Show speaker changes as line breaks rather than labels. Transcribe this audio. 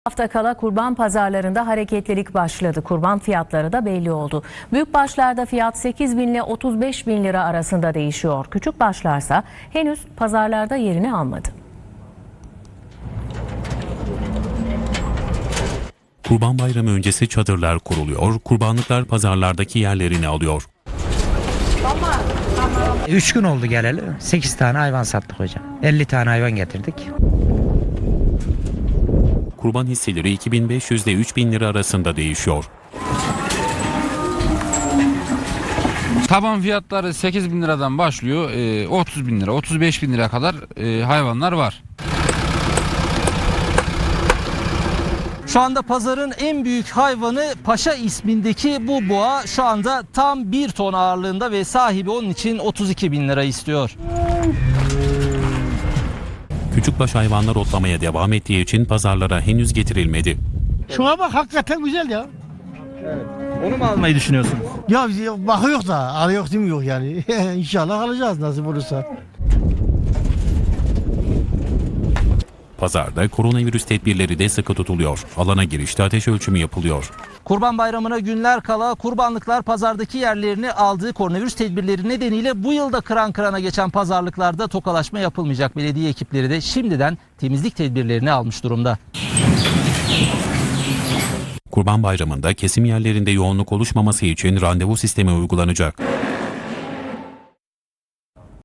Hafta kala kurban pazarlarında hareketlilik başladı. Kurban fiyatları da belli oldu. Büyük başlarda fiyat 8 bin ile 35 bin lira arasında değişiyor. Küçük başlarsa henüz pazarlarda yerini almadı.
Kurban Bayramı öncesi çadırlar kuruluyor, kurbanlıklar pazarlardaki yerlerini alıyor.
3 gün oldu geleli. 8 tane hayvan sattık hocam. 50 tane hayvan getirdik.
Kurban hisseleri 2500 ile 3000 lira arasında değişiyor.
Taban fiyatları 8 bin liradan başlıyor. 30 bin lira, 35 bin lira kadar hayvanlar var.
Şu anda pazarın en büyük hayvanı Paşa ismindeki bu boğa şu anda tam 1 ton ağırlığında ve sahibi onun için 32 bin lira istiyor.
Küçükbaş hayvanlar otlamaya devam ettiği için pazarlara henüz getirilmedi.
Şuna bak hakikaten güzel ya.
Onu mu almayı düşünüyorsunuz?
Ya bakıyor da alıyor değil mi yok yani. İnşallah alacağız nasip olursa.
Pazarda koronavirüs tedbirleri de sıkı tutuluyor. Alana girişte ateş ölçümü yapılıyor.
Kurban Bayramı'na günler kala kurbanlıklar pazardaki yerlerini aldığı koronavirüs tedbirleri nedeniyle bu yılda kıran kırana geçen pazarlıklarda tokalaşma yapılmayacak. Belediye ekipleri de şimdiden temizlik tedbirlerini almış durumda.
Kurban Bayramı'nda kesim yerlerinde yoğunluk oluşmaması için randevu sistemi uygulanacak.